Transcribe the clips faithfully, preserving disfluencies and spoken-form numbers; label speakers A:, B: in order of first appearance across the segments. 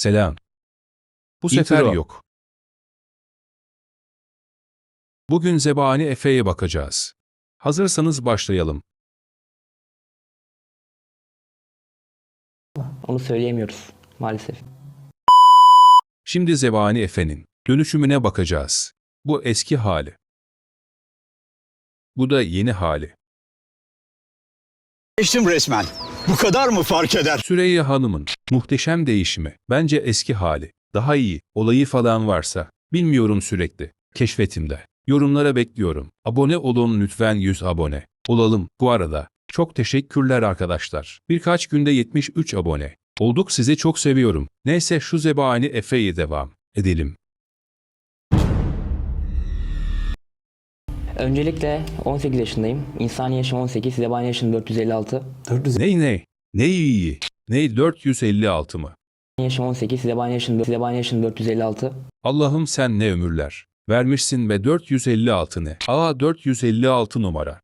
A: Selam. Bu
B: İntro.
A: sefer yok. Bugün Zebani Efe'ye bakacağız. Hazırsanız başlayalım.
C: Onu söyleyemiyoruz maalesef.
A: Şimdi Zebani Efe'nin dönüşümüne bakacağız. Bu eski hali. Bu da yeni hali.
B: Geçtim resmen. Bu kadar mı fark eder?
A: Süreyya Hanım'ın muhteşem değişimi. Bence eski hali. Daha iyi. Olayı falan varsa. Bilmiyorum sürekli. Keşfetimde. Yorumlara bekliyorum. Abone olun lütfen yüz abone. Olalım. Bu arada çok teşekkürler arkadaşlar. Birkaç günde yetmiş üç abone. Olduk, sizi çok seviyorum. Neyse şu Zebani Efe'ye devam edelim.
C: Öncelikle on sekiz yaşındayım. İnsani yaşım on sekiz, zebani yaşım dört yüz elli altı.
D: dört yüz
A: Ney ne? Ne iyi? Ne dört yüz elli altı mı?
C: Yaşım on sekiz, zebani yaşım, zebani yaşım dört yüz elli altı.
A: Allah'ım sen ne ömürler vermişsin be. Dört yüz elli altı ne? Aa, dört yüz elli altı numara.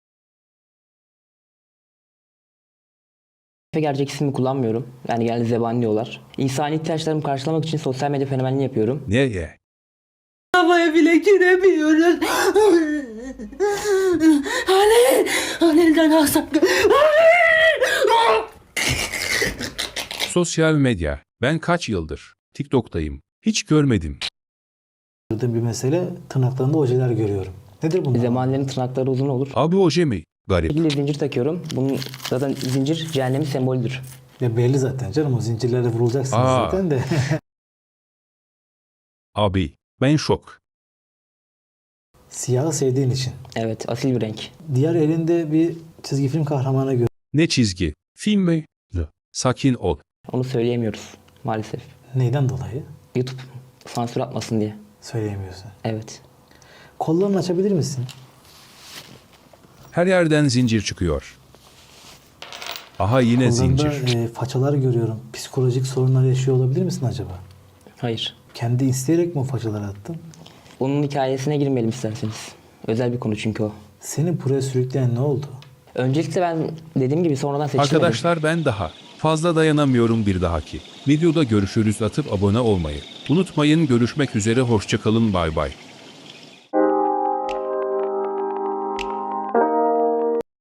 C: Efe gerçek ismimi kullanmıyorum. Yani genelde zebani diyorlar. İnsani ihtiyaçlarımı karşılamak için sosyal medya fenomenliği yapıyorum.
A: Ne ye?
E: Havaya bile giremiyoruz. Halil, Halil'den alsak.
A: Sosyal medya. Ben kaç yıldır TikTok'tayım. Hiç görmedim.
D: bir mesele, tırnaklarında ojeler görüyorum. Nedir bunlar?
C: Zebanilerin tırnakları uzun olur.
A: Abi oje mi? Garip.
C: İlgili zincir takıyorum. Bunun zaten zincir cehennemin sembolüdür.
D: Ya belli zaten canım, o zincirlerle vurulacaksınız
A: Aa.
D: zaten de.
A: Abi ben şok.
D: Siyahı sevdiğin için.
C: Evet, asil bir renk.
D: Diğer elinde bir çizgi film kahramanı gör.
A: Ne çizgi? Film mi? Sakin ol.
C: Onu söyleyemiyoruz maalesef.
D: Neyden dolayı?
C: YouTube sansür atmasın diye.
D: Söyleyemiyorsun.
C: Evet.
D: Kollarını açabilir misin?
A: Her yerden zincir çıkıyor. Aha yine
D: Kollarında
A: zincir.
D: e, façalar görüyorum. Psikolojik sorunlar yaşıyor olabilir misin acaba?
C: Hayır.
D: Kendi isteyerek mi o façaları attın?
C: Onun hikayesine girmeyelim isterseniz. Özel bir konu çünkü o.
D: Seni buraya sürükleyen ne oldu?
C: Öncelikle ben dediğim gibi sonradan seçilmedim.
A: Arkadaşlar ben daha fazla dayanamıyorum. Bir dahaki videoda görüşürüz. Atıp abone olmayı unutmayın. Görüşmek üzere. Hoşça kalın. Bay bay.